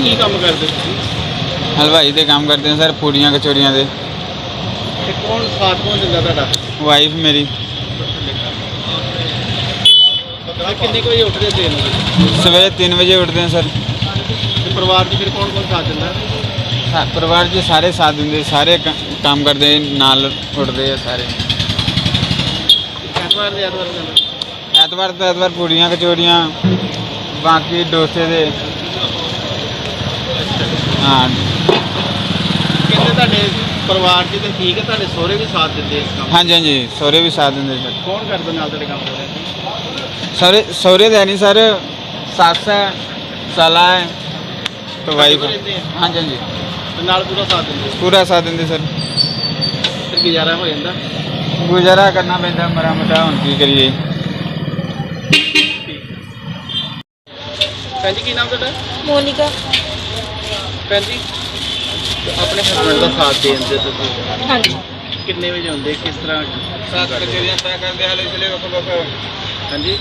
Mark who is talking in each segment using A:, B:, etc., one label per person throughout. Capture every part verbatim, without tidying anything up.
A: ਕੀ ਕੰਮ ਕਰਦੇ ਤੁਸੀਂ?
B: हलवाई के काम करते हैं सर, पूड़ियाँ कचौड़ियाँ दे।
A: ਤੇ ਕੌਣ ਸਾਥ ਕੌਣ ਦਿੰਦਾ ਤੁਹਾਡਾ?
B: वाइफ मेरी
A: ਤੇ ਕਿੰਨੇ ਕੁ ਵਜੇ ਉੱਠਦੇ ਸਵੇਰ ਨੂੰ?
B: सवेरे तीन बजे उठते हैं सर।
A: ਤੇ ਪਰਿਵਾਰ 'ਚ ਫਿਰ ਕੌਣ ਕੌਣ ਸਾਥ ਦਿੰਦਾ?
B: सा- परिवार के सारे साथ देंगे, सारे क- काम करते हैं, नाल उठते हैं सारे।
A: ਐਤਵਾਰ ਦੇ ਐਤਵਾਰ ਜਾਂਦਾ।
B: एतवार तो एतवार पूड़ियाँ कचौड़ियाँ, बाकी डोसे दे। हाँ
A: ਕਹਿੰਦੇ ਤੁਹਾਡੇ ਪਰਿਵਾਰ 'ਚ ਤੇ ਠੀਕ ਹੈ, ਤੁਹਾਡੇ ਸਹੁਰੇ ਵੀ ਸਾਥ ਦਿੰਦੇ ਇਸ ਕੰਮ 'ਚ।
B: हाँ जी हाँ जी, सौरे भी साथ देंगे सर।
A: ਕੌਣ ਕਰਦਾ ਨਾਲ ਤੁਹਾਡੇ ਕੰਮ ਕਰਦੇ?
B: सौरे सौरे तो है नहीं सर, सास है, साला है, तो वाइफ है।
A: ਰਹਿੰਦੇ ਆ
B: हाँ जी हाँ जी,
A: ਤੇ ਨਾਲ ਪੂਰਾ ਸਾਥ ਦਿੰਦੇ ਆ।
B: पूरा साथ देंगे सर।
A: ਫਿਰ ਗੁਜ਼ਾਰਾ ਹੋ ਜਾਂਦਾ।
B: गुजारा करना पैंदा मरा मुटा, हुण की करिए।
A: ਭੈਣ ਜੀ ਕੀ ਨਾਮ ਤੁਹਾਡਾ?
C: ਮੋਨਿਕਾ।
A: ਭੈਣ ਜੀ ਆਪਣੇ ਹਸਬੰਡ ਦਾ ਸਾਥ ਦੇ ਦਿੰਦੇ ਤੁਸੀਂ?
C: ਹਾਂਜੀ।
A: ਕਿੰਨੇ ਵਜੇ ਹੁੰਦੇ, ਕਿਸ ਤਰ੍ਹਾਂ?
B: साथ कचौड़ियाँ तय कर दे हाले चले बको बको।
A: ਹਾਂਜੀ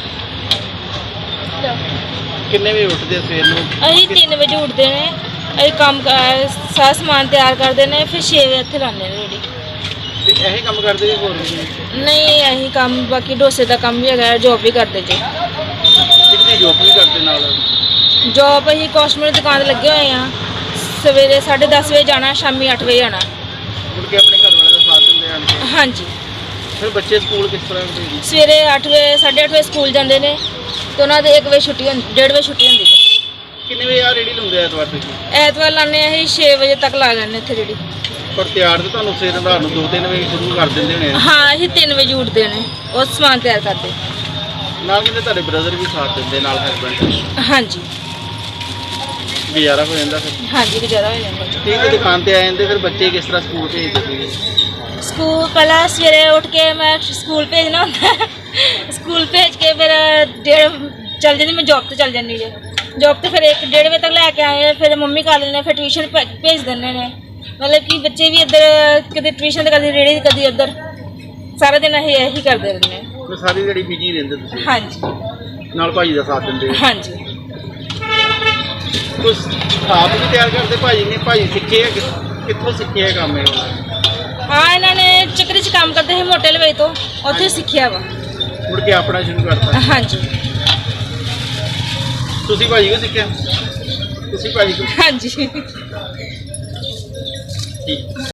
A: ਕਿੰਨੇ ਵਜੇ ਉੱਠਦੇ ਆ ਸਵੇਰ ਨੂੰ?
C: ਅਸੀਂ ਤਿੰਨ ਵਜੇ ਉੱਠਦੇ ਨੇ, ਅਸੀਂ ਕੰਮ ਕਾਰ ਸਾਰਾ ਸਮਾਨ ਤਿਆਰ ਕਰਦੇ ਨੇ, ਫਿਰ ਛੇ ਵਜੇ ਇੱਥੇ ਲਾਉਂਦੇ ਨੇ ਰੇੜੀ।
A: ਤੇ ਇਹੀ ਕੰਮ ਕਰਦੇ ਜੀ ਹੋਰ ਵੀ?
C: ਨਹੀਂ ਅਸੀਂ ਕੰਮ ਬਾਕੀ ਡੋਸੇ ਦਾ ਕੰਮ ਵੀ ਹੈਗਾ, ਜੋਬ ਵੀ ਕਰਦੇ ਜੀ।
A: ਕਿੰਨੀ ਜੋਬ ਵੀ ਕਰਦੇ ਨਾਲ?
C: ਜੋਬ ਅਸੀਂ ਕਾਸਮੈਟਿਕ ਦੁਕਾਨ ਤੇ ਲੱਗੇ ਹੋਏ ਆ। ਸਵੇਰੇ ਸਾਢੇ ਦਸ ਵਜੇ ਜਾਣਾ, ਸ਼ਾਮੀ ਅੱਠ ਵਜੇ ਆਉਣਾ।
A: ਮੁੜ ਕੇ ਆਪਣੇ ਘਰ ਵਾਲੇ ਦਾ ਸਾਥ ਦਿੰਦੇ ਹਨ?
C: ਹਾਂਜੀ।
A: ਫਿਰ ਬੱਚੇ ਸਕੂਲ ਕਿਸ ਤਰ੍ਹਾਂ ਦੇ ਜੀ?
C: ਸਵੇਰੇ ਅੱਠ ਵਜੇ ਸਾਢੇ ਅੱਠ ਵਜੇ ਸਕੂਲ ਜਾਂਦੇ ਨੇ, ਤੇ ਉਹਨਾਂ ਦੇ ਇੱਕ ਵਜੇ ਛੁੱਟੀ ਹੁੰਦੀ, ਡੇਢ ਵਜੇ ਛੁੱਟੀ ਹੁੰਦੀ ਹੈ।
A: ਕਿੰਨੇ ਵਜੇ ਆ ਰੇੜੀ ਲਾਉਂਦੇ ਆ ਐਤਵਾਰ ਤੁਸੀਂ?
C: ਐਤਵਾਰ ਲਾਉਂਦੇ ਅਸੀਂ ਛੇ ਵਜੇ ਤੱਕ ਲਾ ਲੈਂਦੇ ਇੱਥੇ ਰੇੜੀ।
A: ਪਰ ਤਿਆਰ ਤੇ ਤੁਹਾਨੂੰ ਸਵੇਰ ਰਾਤ ਨੂੰ ਦੋ ਤਿੰਨ ਵਜੇ ਸ਼ੁਰੂ ਕਰ ਦਿੰਦੇ ਨੇ।
C: ਹਾਂ ਅਸੀਂ ਤਿੰਨ ਵਜੇ ਉੱਠਦੇ ਨੇ, ਉਹ ਸਮਾਨ ਤਿਆਰ ਕਰਦੇ।
A: ਨਾਲ ਕਹਿੰਦੇ ਤੁਹਾਡੇ ਬ੍ਰਦਰ ਵੀ ਸਾਥ ਦਿੰਦੇ ਨਾਲ, ਹਸਬੈਂਡ।
C: ਹਾਂਜੀ
A: ਗੁਜ਼ਾਰਾ ਹੋ ਜਾਂਦਾ ਫਿਰ?
C: ਹਾਂਜੀ ਗੁਜ਼ਾਰਾ ਹੋ ਜਾਂਦਾ।
A: ਠੀਕ ਹੈ, ਦੁਕਾਨ ਤੇ ਆ ਜਾਂਦੇ, ਫਿਰ ਬੱਚੇ ਕਿਸ ਤਰ੍ਹਾਂ ਸਕੂਲ ਭੇਜਦੇ ਸੀ?
C: ਸਕੂਲ ਪਹਿਲਾਂ ਸਵੇਰੇ ਉੱਠ ਕੇ ਮੈਂ ਸਕੂਲ ਭੇਜਣਾ ਹੁੰਦਾ ਹੈ। ਸਕੂਲ ਭੇਜ ਕੇ ਫਿਰ ਡੇਢ ਚੱਲ ਜਾਂਦੀ, ਮੈਂ ਜੋਬ ਤੇ ਚੱਲ ਜਾਂਦੀ ਜੇ। ਜੋਬ ਤੇ ਫਿਰ ਇੱਕ ਡੇਢ ਵਜੇ ਤੱਕ ਲੈ ਕੇ ਆਏ, ਫਿਰ ਮੰਮੀ ਕਰ ਲੈਂਦੇ, ਫਿਰ ਟਿਊਸ਼ਨ ਭੇਜ ਦਿੰਦੇ ਨੇ। ਮਤਲਬ ਕਿ ਬੱਚੇ ਵੀ ਇੱਧਰ ਕਦੇ ਟਿਊਸ਼ਨ ਤੇ ਕਦੇ ਰੇੜੀ ਕਦੇ ਉੱਧਰ, ਸਾਰਾ ਦਿਨ ਅਸੀਂ ਇਹੀ ਕਰਦੇ ਰਹਿੰਦੇ ਹਾਂ।
A: ਫਿਰ ਸਾਰੀ ਜਿਹੜੀ ਬਿਜੀ ਰਹਿੰਦੇ ਤੁਸੀਂ?
C: ਹਾਂਜੀ
A: ਨਾਲ ਭਾਜੀ ਦਾ ਸਾਥ ਦਿੰਦੇ?
C: ਹਾਂਜੀ।
A: ਕੁਛ ਆਪ ਵੀ ਤਿਆਰ ਕਰਦੇ ਭਾਜੀ ਨੇ? ਭਾਜੀ ਸਿੱਖੇ ਆ ਕਿ- ਕਿੱਥੋਂ ਸਿੱਖੇ ਇਹ ਕੰਮ? ਇਹ
C: ਹਾਂ ਇਹਨਾਂ ਨੇ ਚੱਕਰੀ 'ਚ ਕੰਮ ਕਰਦੇ ਸੀ ਮੋਟੇ ਲਵੇਈ ਤੋਂ, ਉੱਥੇ ਸਿੱਖਿਆ ਵਾ।
A: ਮੁੜ ਕੇ ਆਪਣਾ ਸ਼ੁਰੂ ਕਰਤਾ?
C: ਹਾਂਜੀ
A: ਤੁਸੀਂ ਭਾਜੀ ਕੋ ਸਿੱਖਿਆ? ਤੁਸੀਂ ਭਾਜੀ ਕੋ?
C: ਹਾਂਜੀ।
A: ਠੀਕ।